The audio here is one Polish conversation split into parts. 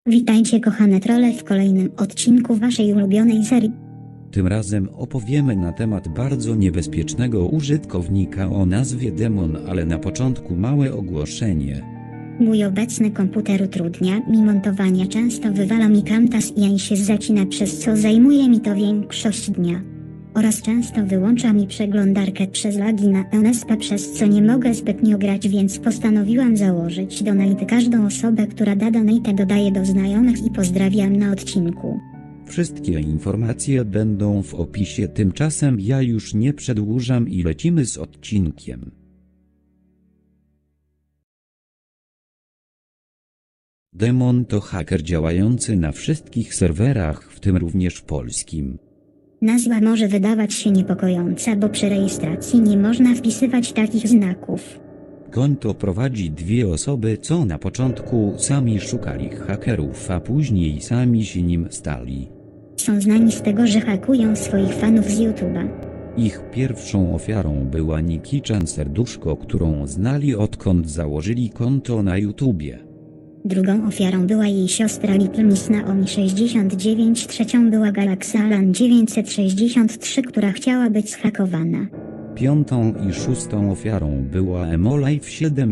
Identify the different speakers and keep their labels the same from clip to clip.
Speaker 1: Witajcie kochane trolle w kolejnym odcinku waszej ulubionej serii.
Speaker 2: Tym razem opowiemy na temat bardzo niebezpiecznego użytkownika o nazwie Demon, ale na początku małe ogłoszenie.
Speaker 1: Mój obecny komputer utrudnia mi montowanie, często wywala mi Camtasia i się zacina, przez co zajmuje mi to większość dnia. Oraz często wyłącza mi przeglądarkę przez lagi na NSP, przez co nie mogę zbytnio grać, więc postanowiłam założyć donate. Każdą osobę, która da donate, dodaję do znajomych i pozdrawiam na odcinku.
Speaker 2: Wszystkie informacje będą w opisie, tymczasem ja już nie przedłużam i lecimy z odcinkiem. Demon to haker działający na wszystkich serwerach, w tym również polskim.
Speaker 1: Nazwa może wydawać się niepokojąca, bo przy rejestracji nie można wpisywać takich znaków.
Speaker 2: Konto prowadzi dwie osoby, co na początku sami szukali hakerów, a później sami się nim stali.
Speaker 1: Są znani z tego, że hakują swoich fanów z YouTube'a.
Speaker 2: Ich pierwszą ofiarą była Nikki-chan Serduszko, którą znali odkąd założyli konto na YouTubie.
Speaker 1: Drugą ofiarą była jej siostra Little Miss Naomi 69, trzecią była Galaxy Alan 963, która chciała być zhakowana.
Speaker 2: Piątą i szóstą ofiarą była Emolive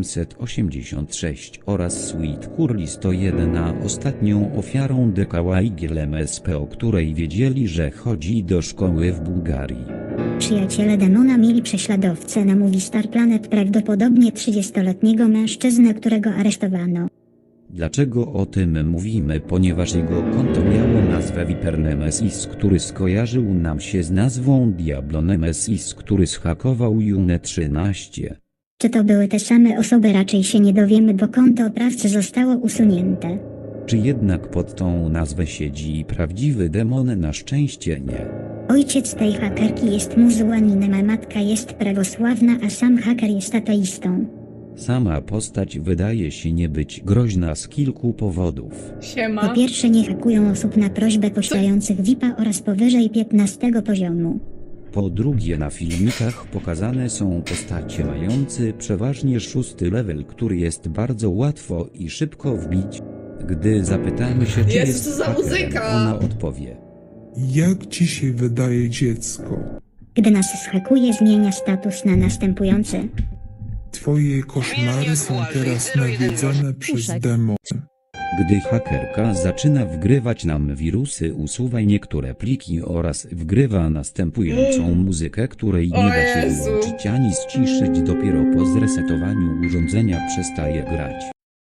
Speaker 2: 786 oraz Sweet Curly 101, a ostatnią ofiarą DKYGL MSP, o której wiedzieli, że chodzi do szkoły w Bułgarii.
Speaker 1: Przyjaciele Demona mieli prześladowcę na Movistar Planet, prawdopodobnie 30-letniego mężczyznę, którego aresztowano.
Speaker 2: Dlaczego o tym mówimy? Ponieważ jego konto miało nazwę Viper Nemesis, który skojarzył nam się z nazwą Diablo Nemesis, który zhakował June 13.
Speaker 1: Czy to były te same osoby? Raczej się nie dowiemy, bo konto oprawcy zostało usunięte.
Speaker 2: Czy jednak pod tą nazwę siedzi prawdziwy demon? Na szczęście nie.
Speaker 1: Ojciec tej hakerki jest muzułmaninem, a matka jest prawosławna, a sam haker jest ateistą.
Speaker 2: Sama postać wydaje się nie być groźna z kilku powodów.
Speaker 1: Po pierwsze, nie hakują osób na prośbę posiadających VIP-a oraz powyżej 15 poziomu.
Speaker 2: Po drugie, na filmikach pokazane są postacie mające przeważnie 6 level, który jest bardzo łatwo i szybko wbić. Gdy zapytamy się, czy
Speaker 3: Jezu,
Speaker 2: jest
Speaker 3: co za
Speaker 2: hakerem,
Speaker 3: muzyka!
Speaker 2: ona odpowie.
Speaker 4: Jak ci się wydaje, dziecko?
Speaker 1: Gdy nas zhakuje, zmienia status na następujący.
Speaker 4: Twoje koszmary są teraz nawiedzone przez demon.
Speaker 2: Gdy hakerka zaczyna wgrywać nam wirusy, usuwaj niektóre pliki oraz wgrywa następującą muzykę, której nie da się
Speaker 3: Jezu.
Speaker 2: wyłączyć ani ściszyć. Dopiero po zresetowaniu urządzenia przestaje grać.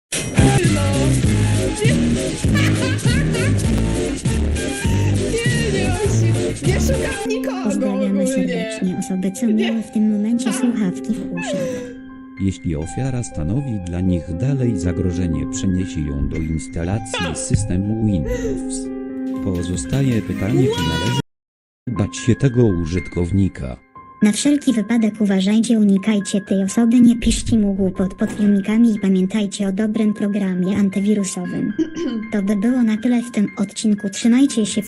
Speaker 3: Nie szukam nikogo
Speaker 1: Pozdrawiamy
Speaker 3: ogólnie.
Speaker 1: serdecznie osoby, co miały w tym momencie słuchawki w uszach.
Speaker 2: Jeśli ofiara stanowi dla nich dalej zagrożenie, przeniesie ją do instalacji systemu Windows. Pozostaje pytanie, czy należy bać się tego użytkownika.
Speaker 1: Na wszelki wypadek uważajcie, unikajcie tej osoby, nie piszcie mu głupot pod filmikami i pamiętajcie o dobrym programie antywirusowym. To by było na tyle w tym odcinku, trzymajcie się.